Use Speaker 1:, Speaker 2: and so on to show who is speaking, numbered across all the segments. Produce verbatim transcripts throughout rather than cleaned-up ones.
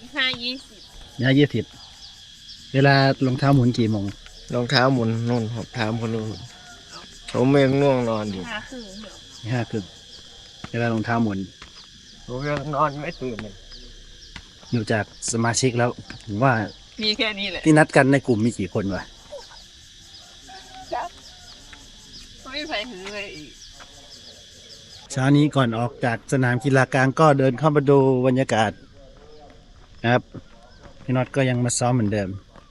Speaker 1: ห้ายี่สิบ
Speaker 2: ห้ายี่สิบเวลารองเท้าหมุนกี่โมง
Speaker 3: รองเท้าหมุนนุ่นผมถามคนนู้นผมยังง่วงนอนอยู่
Speaker 1: ห้าครึ่ง
Speaker 2: ห้าครึ่งเวลารองเท้าหมุน
Speaker 3: ผมยังนอนไม่ตื่นเลย
Speaker 2: อยู่จากสมาชิกแล้วผมว่า
Speaker 1: มีแค่นี้แหละ
Speaker 2: ที่นัดกันในกลุ่มมีกี่คนวะ
Speaker 1: ไม่ไปถึงเลยอีก
Speaker 2: เช้านี้ก่อนออกจากสนามกีฬากลางก็เดินเข้ามาดูบรรยากาศนะครับพี่น็อตก็ยังมาซ้อมเหมือนเดิม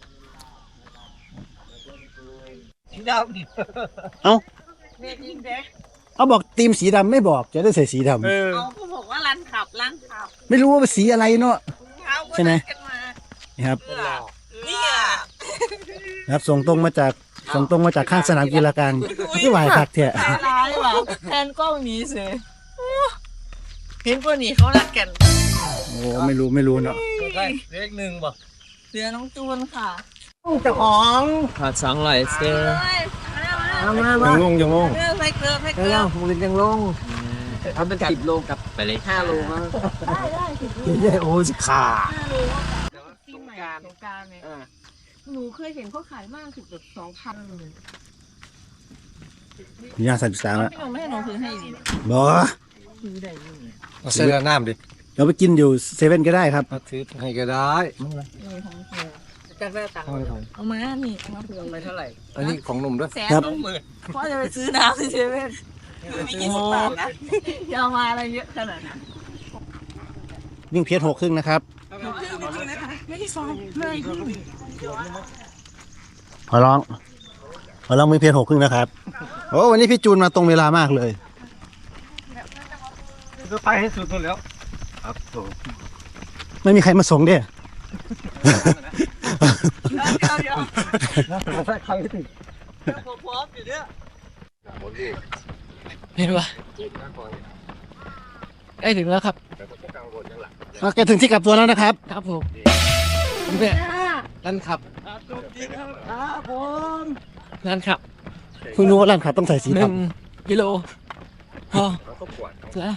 Speaker 3: สีดำดิ
Speaker 2: เอ้า
Speaker 1: เรียกยิงเด้
Speaker 2: เอาบอกทีมสีดำไม่บอกจะได้ใส่สีดำ
Speaker 1: เอาก็บอกว่ารันขับรันขับ
Speaker 2: ไม่รู้ว่าเป็นสีอะไรเนาะใช่ไหมนี่ครับ
Speaker 1: เนี่ย
Speaker 2: ครับส่งตรงมาจากส่งตรงมาจากข้างสนามกีฬากลางที่หวายพักเถอะ
Speaker 1: ร้ายว่ะแทนกล้องนี้สิเห็นพวกนี้เขารักกัน
Speaker 2: โอ้ไม่รู้ไม่รู้เนาะ
Speaker 3: เลขหนึ่งบ่
Speaker 1: เสือน้องจูนค่ะ
Speaker 3: เจ้าของขาดสองไหลเซ่มามามายังลงยังลง
Speaker 1: เกลือไปเกลือไปเกลือ
Speaker 3: มึงยังลงทำเป็นสิบโลกับไปเลยห้าโลมั้ง
Speaker 1: ได้ได้สิบโล
Speaker 2: โอ้สิขา
Speaker 1: ห้าโลปีใหม่สงกรานต์เนี่ยหนูเคยเห็นเขาขายมากถึงแบบสองพันเลย
Speaker 2: มียาสัตว์สามอ่ะ
Speaker 1: พี่น้องไม่ให้น้องซื้อให้ดิ
Speaker 2: บ่
Speaker 1: ซื้อได้ยังไง
Speaker 3: เอาเสื้อน้ำดิ
Speaker 2: เราไปกินอยู่เซเว่นก็ได้ครับ
Speaker 3: ซื้อให้ก็ได้
Speaker 1: จะได้ตังค์เอามานี่เอามาเผื่อไปเท่าไหร่
Speaker 3: อันนี้ของหนุ่มด้วย
Speaker 1: แสนสองหมื่นพ่อจะไปซื้อน้ำที่เซเว่นไม่กี่สิบบาทนะจะเอามาอะไรเยอะขนาดนั้น
Speaker 2: วิ่งเพียรหกครึ่งนะครับ
Speaker 1: ไม่ได้ซ้อมเลย
Speaker 2: ขอร้องขอร้องวิ่งเพียรหกครึ่งนะครับโอ้วันนี้พี่จูนมาตรงเวลามากเลย
Speaker 3: ก็ไปให้สุดแล้วครับ
Speaker 2: ไม่มีใครมาส่งเด้
Speaker 1: เดี๋ยวเดี๋ยว
Speaker 3: ใครถึง
Speaker 1: ผมพร้อมอยู่เนี่ย
Speaker 3: เห็นปะใกล้ถึงแล้วครับ
Speaker 2: โอเคถึงที่กลับตัวแล้วนะครับ
Speaker 3: ครับผมเนี่ยลั่นขับ
Speaker 1: ครับผม
Speaker 3: ลั่นขับ
Speaker 2: เพิ่งรู้ว่าลั่นขับต้องใส่สีด
Speaker 3: ำกิโลพอแล้ว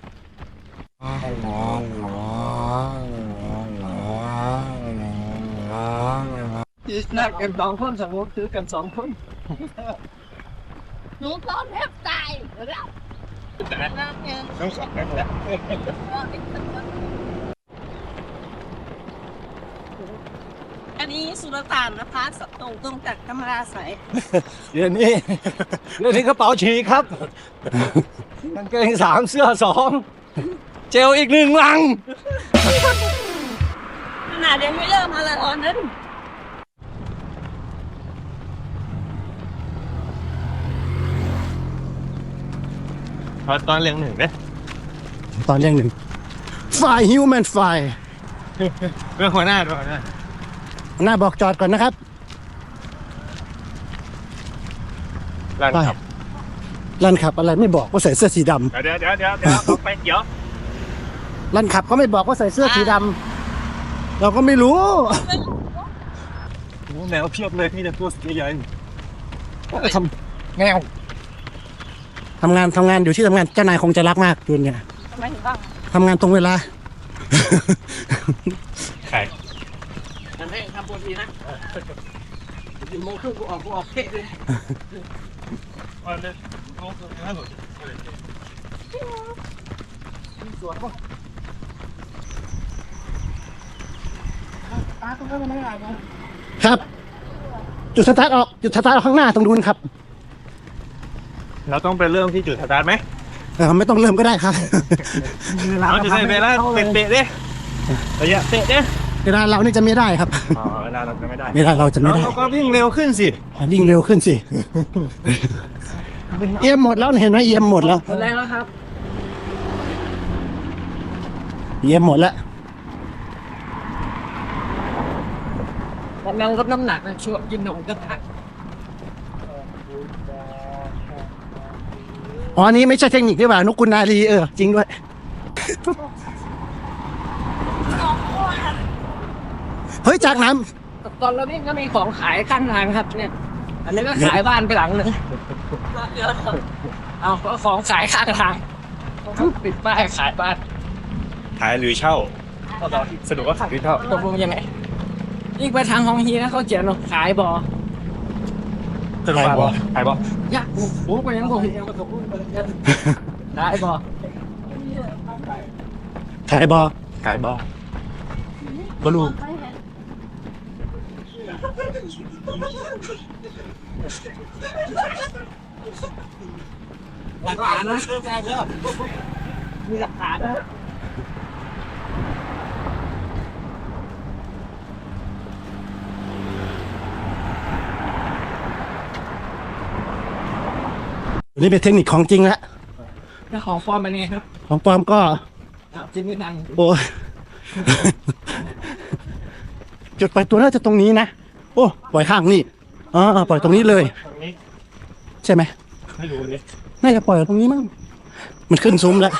Speaker 3: นักกันสองคนสมมติซื้อกันสองคน
Speaker 1: หนูซ้อมแทบตายแล้ว
Speaker 3: ต้องสองกันแล้ว
Speaker 1: อันนี้สุลต่านนะคะสตรงตรงจากธรรมราใส
Speaker 2: เดี๋ยวนี้เดี๋ยวนี้กระเป๋าฉีกครับกางเกงสามเสื้อสองเจลอีกหนึ่งลัง
Speaker 1: ขนาดยังไม่เริ่มมาเลยตอนนั้น
Speaker 3: ตอนเรียงหนึ่งเด้
Speaker 2: ตอนเรียงหนึ่งฝ่ายฮิวแมนฝ่าย
Speaker 3: เรื่องหัวหน้าด้วยหัวหน้า
Speaker 2: หน้าบอกจอดก่อนนะครับ
Speaker 3: ลั่นขับ
Speaker 2: ลั่นขับอะไรไม่บอกว่าใส่เสื้อสีด
Speaker 3: ำเดี๋ยวเดี๋ยวเดี๋ยวเดี๋ยวไปเดี๋ยว
Speaker 2: ลั่นขับเขาไม่บอกว่าใส่เสื้อสีดำเราก็ไม่รู้
Speaker 3: โอ้แมวเพียบเลยนี่แต่ตัวใหญ่ทำแมว
Speaker 2: ทำงานทำงานอยู่ที่ทำงานเจ้านายคงจะรักมากจุนเนี่ย
Speaker 1: ทำไมถึงบ้าง
Speaker 2: ทำงานตรงเวลา
Speaker 3: ใคร
Speaker 1: ทำให้ทำบนทีนะอยู่โมงครึ่งกูออกกูออกเท่เลย
Speaker 3: วันนี้โมงครึ่งห้าหลุดสวนป่ะ
Speaker 1: ตาตรงนั้นไม่ได้นะ
Speaker 2: ครับจุดสตาร์ทออกจุดสตาร์ทข้างหน้าตรงนู้นครับ
Speaker 3: เราต้องไปเริ่มที่จุดสตาร์ทไหม
Speaker 2: เออไม่ต้องเริ่มก็ได้ครับ
Speaker 3: เราจะได้เวลาเตะเด้ระยะเตะเด้
Speaker 2: เวลาเรานี่จะไม่ได้ครับ
Speaker 3: อ๋อเวลาเราจะไม่ได้
Speaker 2: เวลาเราจะไม่ได้
Speaker 3: เราก็วิ่งเร็วขึ้นสิ
Speaker 2: วิ่งเร็วขึ้นสิเอี่ยมหมดแล้วเห็นไหมเอี่ยมหมดแล้ว
Speaker 1: หมดแล้วครับ
Speaker 2: เอี่ยมหมดแล้ว
Speaker 1: กำลังลดน้ำหนักนะช่วงกินนมกระทะ
Speaker 2: อ๋อนี้ไม่ใช่เทคนิคด้วยป่ะนุกุลนาลีเออจริงด้วยเฮ้ยจากน้
Speaker 1: ำตอนเราเนี่ยก็มีของขายข้างทางครับเนี่ยอันนี้ก็ขายบ้านไปหลังนึงเอาก็ของขายข้างทางปิดป้ายขายบ้าน
Speaker 3: ขายหรือเช่าสนุกก็ขายที่เท่า
Speaker 4: ตกลงยังไงยิ่งไปทางฮองฮีนะเขาเขียนว่าขายบ่อ
Speaker 3: สนุกบ่ขายบ่
Speaker 4: ยากโอ้ไปยังบ่ได้บ่
Speaker 2: ขายบอ
Speaker 3: ขายบ่บลู
Speaker 4: หลักฐานนะมีหลักฐานนะ
Speaker 2: นี่เป็นเทคนิคของจริงแล้ว
Speaker 4: ถ้าของฟอร์มเป็นไงครับ
Speaker 2: ของปลอมก็
Speaker 4: จริงไม่ดัง
Speaker 2: โอ้ย จุดปล่อยตัวน่าจะตรงนี้นะ โอ้ปล่อยข้างนี่อ๋อปล่อยตรงนี้เลย ใช่ไหม
Speaker 3: ไม่รู้เลย
Speaker 2: น่าจะปล่อยตรงนี้มั้งมันขึ้นซุ้มแล้ว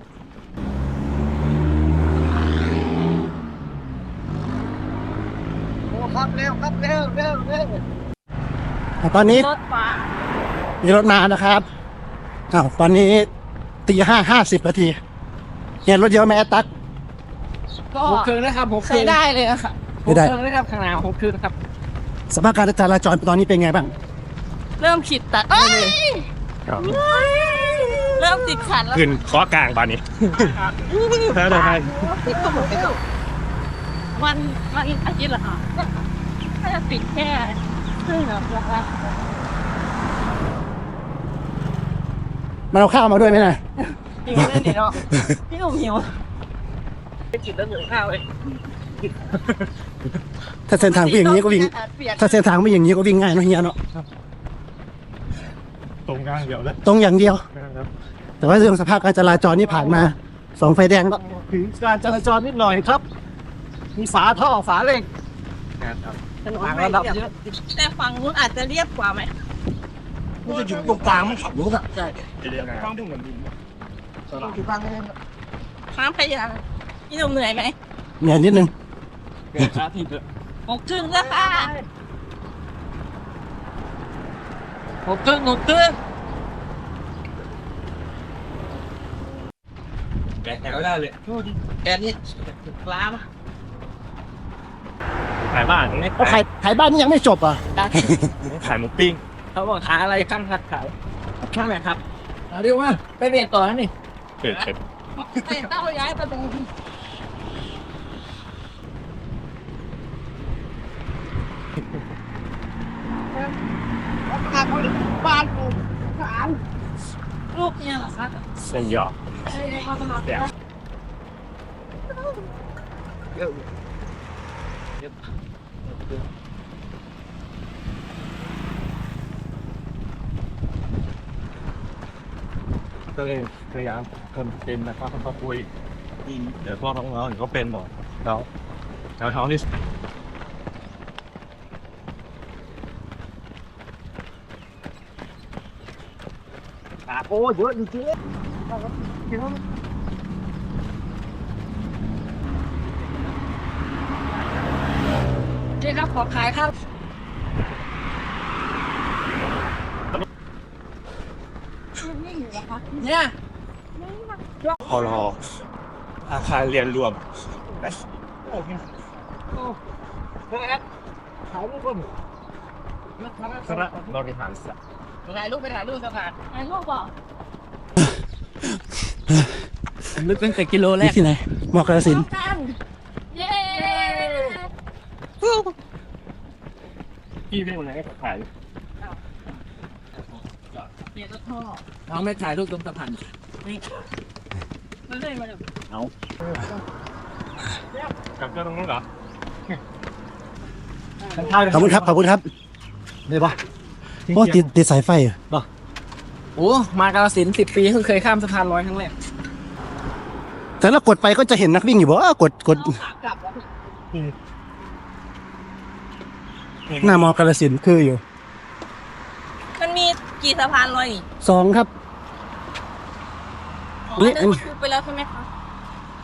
Speaker 2: โอ้ครับเร็วครับเร็วเร็วเร็วตอนนี้
Speaker 1: รถฟ้า
Speaker 2: มีรถมานะครับอ้าวตอนนี้ตีห้าห้าสิบนาทีเนี่ยรถเยอะไหมแอตตัก
Speaker 1: ก็
Speaker 4: หกเครื่องนะครับหกเค
Speaker 1: ใช้
Speaker 4: รื่อง
Speaker 1: ได้เลยอะค่ะ
Speaker 4: หกเครื่องนะครับข้างหน้าหกเครื่องนะครับ
Speaker 2: สภาพการจราจรตอนนี้เป็นไงบ้าง
Speaker 1: เริ่มขีดตัดเอ้ยเริ่มติดขัดแล้ว
Speaker 3: ขึ้นข้อกลางบานนี้แล้วได้
Speaker 1: ติดก็หมดไปแล้ววันวันอาทิตย์เหรอคะถ้าจะปิดแค่ครึ่งนะราคา
Speaker 2: มันเอาข้าวมาด้วยไหมนะ
Speaker 1: หิวเลยเนาะพี่หนุ่มหิวไปกินแล้วหิวข้าวเลย
Speaker 2: ถ้าเส้นทางวิ่งอย่างนี้ก็วิ่ง ถ้าเส้นทางไม่อย่างนี้ก็วิ่งง่ายเนอะเฮียเนาะ
Speaker 3: ตรงกลางเดียวเลย
Speaker 2: ตรงอย่างเดียว แต่ว่าเรื่องสภาพการจราจรนี่ผ่านมาสองไฟแดงก็ถึงการจราจรนิดหน่อยครับ มีฝาท่อฝาเหล็ก
Speaker 1: ถนนไม่เรียบแต่ฝั่งนู้นอาจจะเรียบกว่าไหม
Speaker 2: มันจะอยู่ตรงกลางมันขับรถอ่ะ
Speaker 1: ใช่
Speaker 3: เดียวกันต้องถึงเหมือนดิน
Speaker 2: อยู่กลางเลย
Speaker 1: ข้ามพยางพี่หนุ่มเหนื่อยไหม
Speaker 2: เนี่ยนิดนึง
Speaker 3: เกิดอาทิตย์เลย
Speaker 1: หกครึ่งแล้วค่ะ
Speaker 4: หกเครื่องหกเครื่อง
Speaker 3: แกะก็ได้เลย
Speaker 4: แกนี่ปลามา
Speaker 3: ขายบ้านไม่
Speaker 2: ขายขายบ้านนี่ยังไม่จบอ่ะ
Speaker 3: ขายหมูปิ้ง
Speaker 4: เขาบอกขายอะไรข้างขัดขายข้างไหนครับเอาเรียกว่าไปเรียนต่อนะนี่
Speaker 3: เกิดเสร็จ
Speaker 1: ไอ้เต้าย้ายประตู
Speaker 4: บ้านกู
Speaker 1: ลูกเนี่ยเหรอคะ
Speaker 3: เส้นหยอกเดี๋ยวก็เลยพยายามคนเป็นนะครับเขาคุยเดี๋ยวพวกน้องๆเขาเป็นหมดแล้วแล้วท้องที่
Speaker 2: ปากโอ้เยอะจริง
Speaker 4: โอเคครับขอขายครับ
Speaker 1: นี่อยู่เหรอคะ
Speaker 4: เนี่ย
Speaker 3: พอรออาคารเรียนรวม
Speaker 4: โอ้เฮ้ยขายรูปก่อนนะครับ
Speaker 3: คณะบริหารศาสตร์
Speaker 4: ถ่ายรูปไปถ่ายรูปสักการ
Speaker 1: ไอ้ลูกบอก
Speaker 4: ลึกตั้งแต่กิโลแร
Speaker 2: นี่
Speaker 4: ก
Speaker 2: ที่ไหนมอกระสินธุ์
Speaker 1: กันเย้
Speaker 3: พี่เป็นคนไหนก็ขาย
Speaker 1: เดี๋ยวจะท่อ
Speaker 4: น้องไม่ถ่ายรูปตรงสะพาน
Speaker 1: ไม่เลยมาเลย
Speaker 3: กับเจ้าตรงนู้นเหรอ
Speaker 2: ขอบคุณครับขอบคุณครับเลยปะโอ้ติดติดสายไฟเหรอปะ
Speaker 4: โอ้มากาฬสินธุ์สิบปีเพิ่งเคยข้ามสะพานลอยครั้งแรก
Speaker 2: แต่แล้วกดไปก็จะเห็นนักวิ่งอยู่บ่กดกด
Speaker 1: ขากลับแล้ว
Speaker 2: หน้ามอกระสินธุ์คืออยู่
Speaker 1: มันมีกี่สะพานลอยนี่
Speaker 2: สองครับ
Speaker 1: อ๋อ
Speaker 2: นี่
Speaker 1: อันนั้นคือไปแล้วใช่ไหมคะ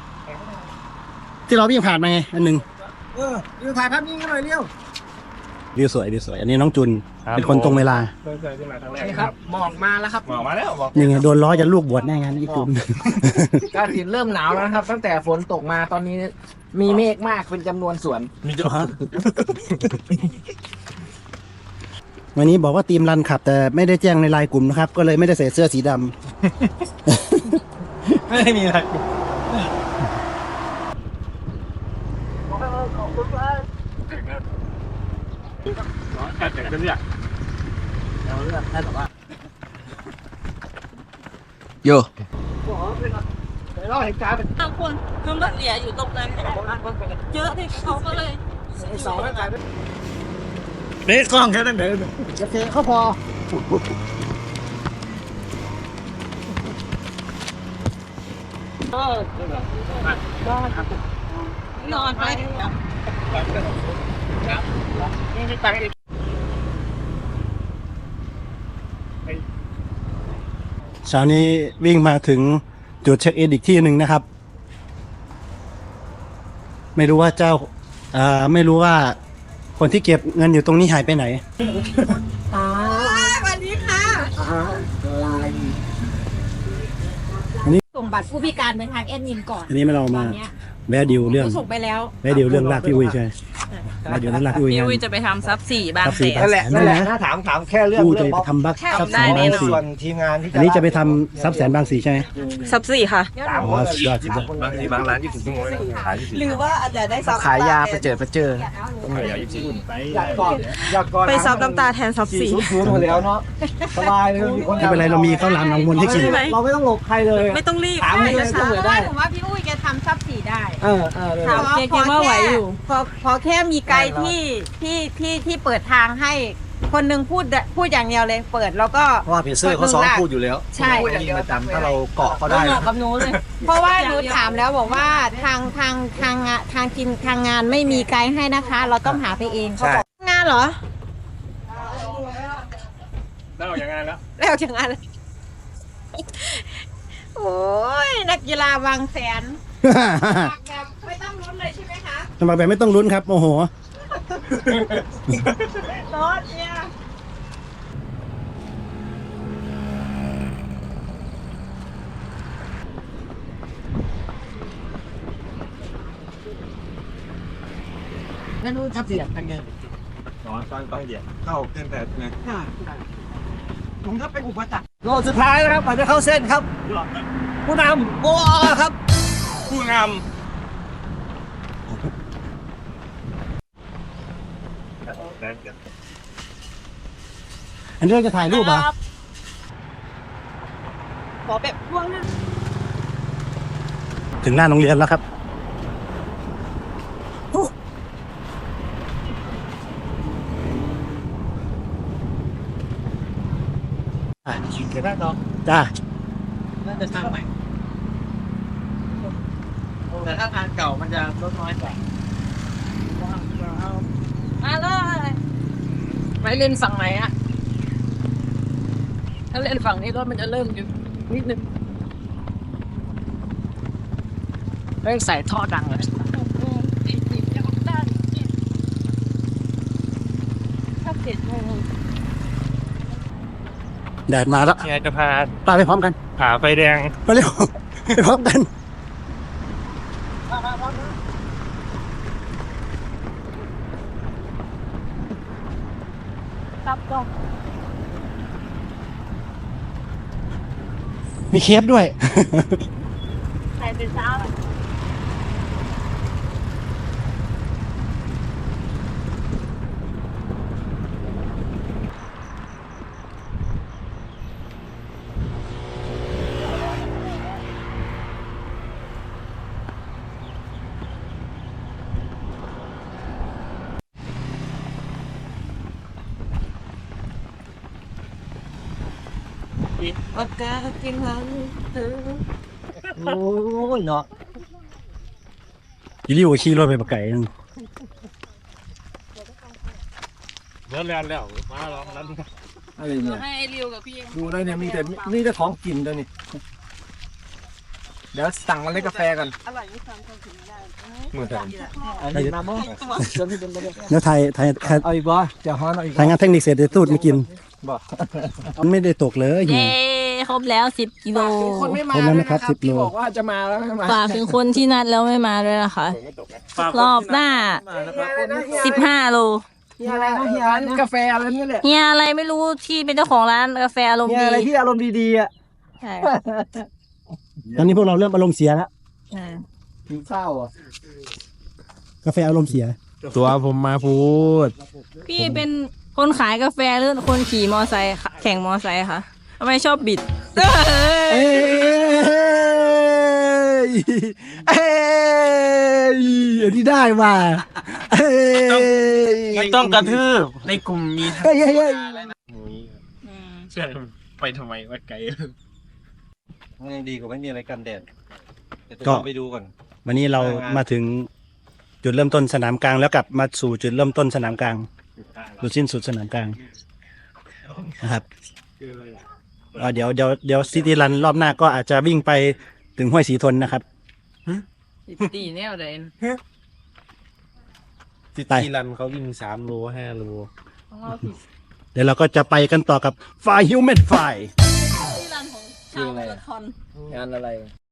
Speaker 2: ที่เราวิ่งผ่านมาไงอันหนึ่ง
Speaker 4: เออดูถ่ายภาพนิ่งกันหน่อยเร็ว
Speaker 2: วิวสวยวิวสวยอันนี้น้องจุนเป็นคนตรงเวลา
Speaker 3: เพิ่งเคยขึ้นมาครั้งแรก
Speaker 4: นี่ครับหมอกมาแล้วครับ
Speaker 3: หมอกมาแล้วหมอก
Speaker 2: ยังไงโดนล้อจะลูกบวชแน่งานอีกจุน
Speaker 4: กาฬสินธุ์เริ่มหนาวแล้วนะครับ ตั้งแต่ฝนตกมาตอนนี้มีเมฆมากเป็นจำนวนส่วน
Speaker 3: มีเจ้า
Speaker 2: วันนี้บอกว่าทีมรันขับ แต่ไม่ได้แจ้งในไลน์กลุ่มนะครับ ก็เลยไม่ได้ใส่เสื้อสีดำ
Speaker 3: ไม่ได้มีอะไรการแต่งกันเนี่ยเราเลือกแค่แบบว่า
Speaker 4: โย
Speaker 1: บางคนคือมันเหลียอยู่ตรงนั้นเยอะที่เขาก็เลย
Speaker 4: สองไม่ไป
Speaker 3: เด็กกล้องแค่นั้นเดิน
Speaker 4: จะเทเขาพอ
Speaker 1: นอนไป
Speaker 2: เช้านี้วิ่งมาถึงจุดเช็คอินอีกที่หนึ่งนะครับ ไม่รู้ว่าเจ้าอ่าไม่รู้ว่าคนที่เก็บเงินอยู่ตรงนี้หายไปไหน
Speaker 1: สวัสดีค่ะส่งบัตรผู้พิการไปทางแอดมินก่อน
Speaker 2: อันนี้ไม่เรามาแวะดิวเรื่อง
Speaker 1: ส่งไปแล้ว
Speaker 2: แวะดิวเรื่องลากพี่อุ้ยใช่ไหมแวะดิวเรื่องลากพี่อุ้ย
Speaker 1: พี่
Speaker 2: งาน
Speaker 1: อุ้ยจะไปทำซับสี่บาง
Speaker 2: ซับ
Speaker 1: แส
Speaker 2: สี่
Speaker 1: น
Speaker 4: นั่นแหละนั่นแหละถ้าถามถามแค่เรื่อง
Speaker 2: กูจะ
Speaker 4: เรื่อง
Speaker 2: ไป
Speaker 4: บล็อก
Speaker 2: ทำบัก
Speaker 1: ใช่
Speaker 2: ซับ
Speaker 1: ได้
Speaker 2: แสน
Speaker 1: แน่
Speaker 2: บาง
Speaker 1: นอน
Speaker 2: สี่
Speaker 4: ส่วนทีมงานที่
Speaker 2: อันนี้จะไปทำซับแสนบางสี่ใช่ไหม
Speaker 1: ซับสี่ค่ะ
Speaker 4: สาม
Speaker 2: อ๋
Speaker 4: ค
Speaker 2: อน สุดยอดสุดยอด
Speaker 3: บางทีบางร้านยี่สิบชั่วโมงเลยขายยี่สิบ
Speaker 1: หรือว่าอาจจะได้ซับ
Speaker 4: ขายยาประเจิดประเจอ
Speaker 3: ขายยี่สิบ
Speaker 4: อยากก่อนอยากก่อน
Speaker 1: ไปซับน้ำตาแทนซับ
Speaker 4: สี่
Speaker 1: สี่
Speaker 4: ศูนย์ศูนย์หมดแล้วเนาะสบายเลยมีคน
Speaker 2: ไม่เป็นไรเรามีข้าวหลามหนองมนให้กิน
Speaker 1: ใช่ไหม
Speaker 4: เราไม่ต้องหลบใครเลย
Speaker 1: ไม่ต้องรีบ
Speaker 4: ถามเลย
Speaker 1: ช้า
Speaker 4: ต้องเลยได้
Speaker 5: ผมว่าพี่อุ้ยแกทำซับสีได้
Speaker 4: เออเออเลย
Speaker 1: ถามเกมว่าไหวอยู่
Speaker 5: พอพอแค่มีไกด์ที่ที่ที่ที่เปิดทางให้คนหนึงพูดพูดอย่างเดียวเลย เปิดแล้วก็
Speaker 4: เพราะว่าเพจเซอร์เขาซ้อมพูดอยู่แล้ว
Speaker 5: ใช่
Speaker 4: พูดอย่างเดียวประจำถ้าเราเกาะเขา
Speaker 1: ก็
Speaker 4: ได้
Speaker 1: เหมาะกับหนูเลย
Speaker 5: เพราะว่าหนูถามแล้วบอกว่าทางทางทางงานทางกินทางงานไม่มีไกด์ให้นะคะ เราต้องหาไปเองเขาบอกงานเหรอ
Speaker 3: แล้วอย่างงานแล้ว
Speaker 5: แล้วจากงานโอ้ยนักกีฬาบางแสนแบบไม่ต้องลุ้นเลยใช่ไหมคะ
Speaker 2: สมัครแบบไม่ต้องลุ้นครับโอ้โห
Speaker 5: รถเนี่ย
Speaker 4: ไม่รู้ทับเสียงเป็นไง
Speaker 3: นอนตอนตอนเดียวเข้าเส้นแต่ไง
Speaker 4: ผมก็เป็นอุปสรรคโลสุดท้ายแล้วครับก่อนจะเข้าเส้นครับผู้นำโกอครับ
Speaker 3: ผู้งาม
Speaker 2: อันนี้เราจะถ่ายรูปเหรอ่ะ
Speaker 1: ขอแบบพ่วงนึง
Speaker 2: ถึงหน้าโรงเรียนแล้วครับอ่ะ
Speaker 4: เดี๋ยวได้ต่อ
Speaker 2: จ้า
Speaker 4: น่าจะทางใหม่แต่ถ้าทางเก่ามันจะลดน้อยกว่า
Speaker 1: มาเลยไปเล่นฝั่งไหนอะถ้าเล่นฝั่งนี้รถมันจะเริ่มอยู่นิดนึงเร่งใส่ท่อดังเลยถ้าเสร็จโมง
Speaker 2: แดดมาแล้ว
Speaker 3: เนี่ยจะพา
Speaker 2: ปาไปพร้อมกัน
Speaker 3: ผ่าไฟแดง
Speaker 2: ไปเร็ว ไปพร้อมกัน
Speaker 1: รับกล้อง
Speaker 2: มีเคฟด้วย
Speaker 1: ใส่เป็นเช้าเลย
Speaker 5: ปากกากินหันเธอ
Speaker 4: โอ้ยเนาะ
Speaker 2: อีริวขี่รถไปปะไก่นึง
Speaker 3: เริ่มเรียนแล้วมาลองนั้น
Speaker 4: อะไรเนี่ย
Speaker 1: ให้ไอ้ริวกับพี่
Speaker 4: ดูเลยเนี่ยมีแต่มีแต่ของกินเลยนี่เดี๋ยวสั่งมาเล่นกาแฟกัน
Speaker 1: อร่อยไม่ซ้ำกันถึงไม่ได้
Speaker 4: มือเถอะอันนี้น้ำมั้งจนที่เป็นไปได้
Speaker 2: แล้วไทยไทยไทย
Speaker 4: เอาอีกบ่เดี๋ยวฮ้อนเอาอีก
Speaker 2: ทางงานเทคนิคเสร็จเดี๋ยวตูดมากิน
Speaker 4: บ่
Speaker 2: มันไม่ได้ตกเลยหิว
Speaker 1: เย้ครบแล้วสิบกิโล
Speaker 4: คนไม่มา
Speaker 2: คนนั้นนะครับสิบโล
Speaker 4: ที่บอกว่าจะมาแล้วไม่มา
Speaker 1: ฝากถึงคนที่นัดแล้วไม่มาด้วยนะคะ รอบหน้าสิบห้าโล
Speaker 4: เฮียอะไรนะเฮียกาแฟอะไรนี่แหละ
Speaker 1: เฮียอะไรไม่รู้ที่เป็นเจ้าของร้านกาแฟอารมณ์
Speaker 4: เฮีย
Speaker 1: ดี
Speaker 4: อะไรที่อารมณ์ดีๆอ่ะ
Speaker 1: ใช่
Speaker 2: ตอนนี้พวกเราเริ่มอารมณ์เสียแล้ว
Speaker 1: ใช่
Speaker 4: หิวข้าวอ่ะ
Speaker 2: กาแฟอารมณ์เสีย
Speaker 3: ตัวผมมาพูด
Speaker 1: พี่เป็นคนขายกาแฟหรือคนขี่มอไซค์ค่ะแข่งมอไซค์คะทำไมชอบบิด
Speaker 2: เอ้ยเอ้ยอันนี้ได้ว่ะเอ้ย
Speaker 3: ไม่ต้องกระทืบในกลุ่มมี
Speaker 2: เฮ้ยเฮ้ยเฮ้ย
Speaker 3: เชื่อไปทำไมว่าไกล
Speaker 6: มันยังดีกว่าไม่มีอะไรกันแดดเดี๋ยว
Speaker 2: ก็
Speaker 6: ต้องไปดูก่อน
Speaker 2: วันนี้เรามาถึงจุดเริ่มต้นสนามกลางแล้วกลับมาสู่จุดเริ่มต้นสนามกลางจุดสิ้นสุดสนามกลางนะครับเอ่อเดี๋ยวเดี๋ยวเดี๋ยวซิตี้รันรอบหน้าก็อาจจะวิ่งไปถึงห้วยสีทนนะครับ
Speaker 1: ตีแนวเดน
Speaker 3: ซิ
Speaker 2: ไป
Speaker 3: ตี้รันเขาวิ่งสามโลห้าโล
Speaker 1: ของเราผิด
Speaker 2: เดี๋ยวเราก็จะไปกันต่อกับไฟฮิวแมนไฟ
Speaker 1: ที่ร้านของชาวมาราธอน
Speaker 4: งานอะไร